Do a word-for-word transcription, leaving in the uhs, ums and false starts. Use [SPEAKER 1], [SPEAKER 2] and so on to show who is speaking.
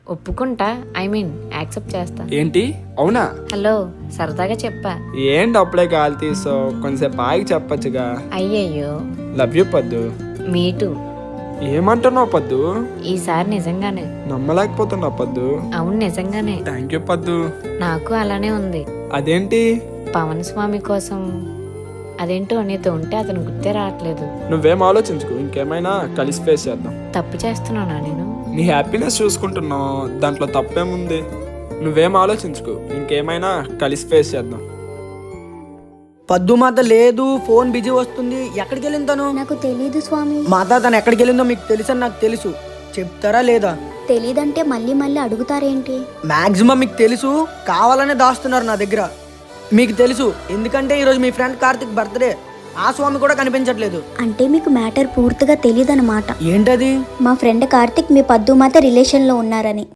[SPEAKER 1] ఒప్పుకుంటా. I mean accept చేస్తా.
[SPEAKER 2] ఏంటి? అవునా?
[SPEAKER 1] హలో, సరదాగా చెప్పా.
[SPEAKER 2] ఏంటి అప్పుడే కాలు తీసావు? కొంచెంసేపు ఆగి చెప్పచ్చుగా.
[SPEAKER 1] అయ్యయ్యో.
[SPEAKER 2] Love you Paddu.
[SPEAKER 1] మీటు.
[SPEAKER 2] ఏమంటున్నావు పద్దు?
[SPEAKER 1] ఈసారి నిజంగానే.
[SPEAKER 2] నమ్మలేకపోతున్నావు పద్దు.
[SPEAKER 1] అవును, నిజంగానే.
[SPEAKER 2] థ్యాంక్ యూ పద్దు.
[SPEAKER 1] నాకు అలానే ఉంది.
[SPEAKER 2] అదేంటి?
[SPEAKER 1] పవన్ స్వామి కోసం అదేంటో నీతో ఉంటే అతను గుర్తే రావట్లేదు.
[SPEAKER 2] నువ్వేం ఆలోచించుకో, ఇంకేమైనా కలిసి ఫేస్ చేద్దాం.
[SPEAKER 1] తప్పు చేస్తున్నానా నేను?
[SPEAKER 2] నీ హ్యాపీనెస్ చూసుకుంటున్నావు, దాంట్లో తప్పేముంది? నువ్వేం ఆలోచించుకో, ఇంకేమైనా కలిసి ఫేస్ చేద్దాం.
[SPEAKER 3] పద్దు మాత లేదు, ఫోన్ బిజీ వస్తుంది. ఎక్కడికి వెళ్ళింది తను?
[SPEAKER 4] నాకు తెలీదు స్వామి.
[SPEAKER 3] మాత తను ఎక్కడికి వెళ్ళిందో మీకు తెలుసని నాకు తెలుసు. చెప్తారా లేదా?
[SPEAKER 4] తెలీదంటే మళ్ళీ మళ్ళీ అడుగుతారేంటి?
[SPEAKER 3] మాక్సిమం మీకు తెలుసు, కావాలనే దాస్తున్నారు నా దగ్గర. మీకు తెలుసు ఎందుకంటే ఈరోజు మీ ఫ్రెండ్ కార్తిక్ బర్త్డే. ఆ స్వామి కూడా కనిపించట్లేదు.
[SPEAKER 4] అంటే మీకు మ్యాటర్ పూర్తిగా తెలీదన్నమాట.
[SPEAKER 3] ఏంటది?
[SPEAKER 4] మా ఫ్రెండ్ కార్తిక్ మీ పద్దు మాత రిలేషన్ లో ఉన్నారని.